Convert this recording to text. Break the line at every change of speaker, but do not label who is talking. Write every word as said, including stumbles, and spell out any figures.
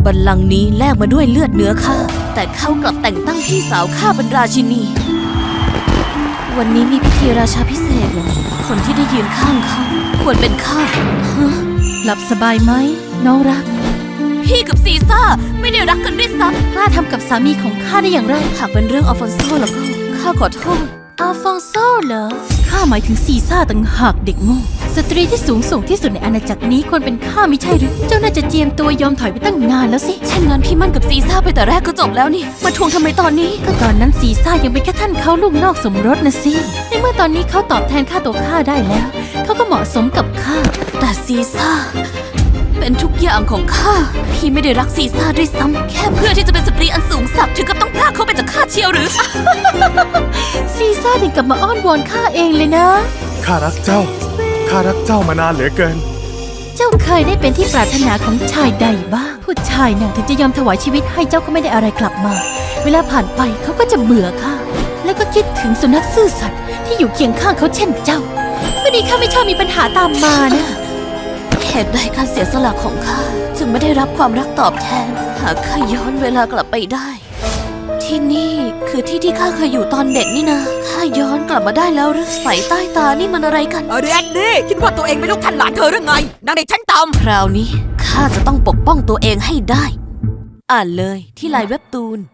บัลลังก์นี้แลกมาด้วยเลือดเนื้อข้าแต่เขากลับแต่งตั้งพี่สาวข้าเป็นราชินีวันนี้มีพิธีราชาพิเศษเหรอคนที่ได้ยืนข้างเขาควรเป็นข้าฮะ
หลับสบายไหมน้องรัก
พี่กับซีซ่าไม่ได้รักกันด้วยซ้ำ
กล้าทำกับสามีของข้าได้อย่างไร
หากเป็นเรื่องอัลฟอนโซแล้วก็ข้าขอโทษ
อัลฟองโซเหรอข้าหมายถึงซีซ่าต่างหากเด็กโง่สตรีที่สูงส่งที่สุดในอาณาจักรนี้ควรเป็นข้าไม่ใช่หรือเจ้าน่าจะเจียมตัวยอมถอยไปตั้งนานแล้วสิ
เช่นนั้นพี่มั่นกับซีซ่าไปแต่แรกก็จบแล้วนี่มาทวงทำไมตอนนี้
ก็ตอนนั้นซีซ่ายังเป็นแค่ท่านเขาลูกนอกสมรสนะสิในเมื่อตอนนี้เขาตอบแทนค่าตัวข้าได้แล้วเขาก็เหมาะสมกับข้า
แต่ซีซ่าเป็นทุกอย่างของข้าพี่ไม่ได้รักซีซ่าด้วยซ้ำแค่เพื่อที่จะเป็นสตรีอันสูงสักดิ์ถึงกับต้องพรากเขาไปจากข้าเชียวหรือ
ซีซ่าถึงกลับมาอ้อนวอนข้าเองเลยนะ
ข้ารักเจ้า ข้ารักเจ้ามานานเหลือเกิน
เจ้าเคยได้เป็นที่ปรารถนาของชายใดบ้างผู้ชายน่ะถึงจะยอมถวายชีวิตให้เจ้าก็ไม่ได้อะไรกลับมา เวลาผ่านไปเขาก็จะเบื่อข้าแล้วก็คิดถึงสุนัขซื่อสัตย์ที่อยู่เคียงข้างเขาเช่นเจ้าวันนี้ข้าไม่ชอบมีปัญหาตามมานะ
เหตุใดการเสียสละของข้าจึงไม่ได้รับความรักตอบแทน หากข้าย้อนเวลากลับไปได้ ที่นี่คือที่ที่ข้าเคยอยู่ตอนเด็กนี่นะข้าย้อนกลับมาได้แล้วหรือไฟใต้ตานี่มันอะไรกัน
เรนนี่คิดว่าตัวเองเป็นลูกท่านหลานเธอหรือไงนางเด็กชั้นต่
คราวนี้ข้าจะต้องปกป้องตัวเองให้ได้ อ่านเลยที่ไลน์เว็บตูน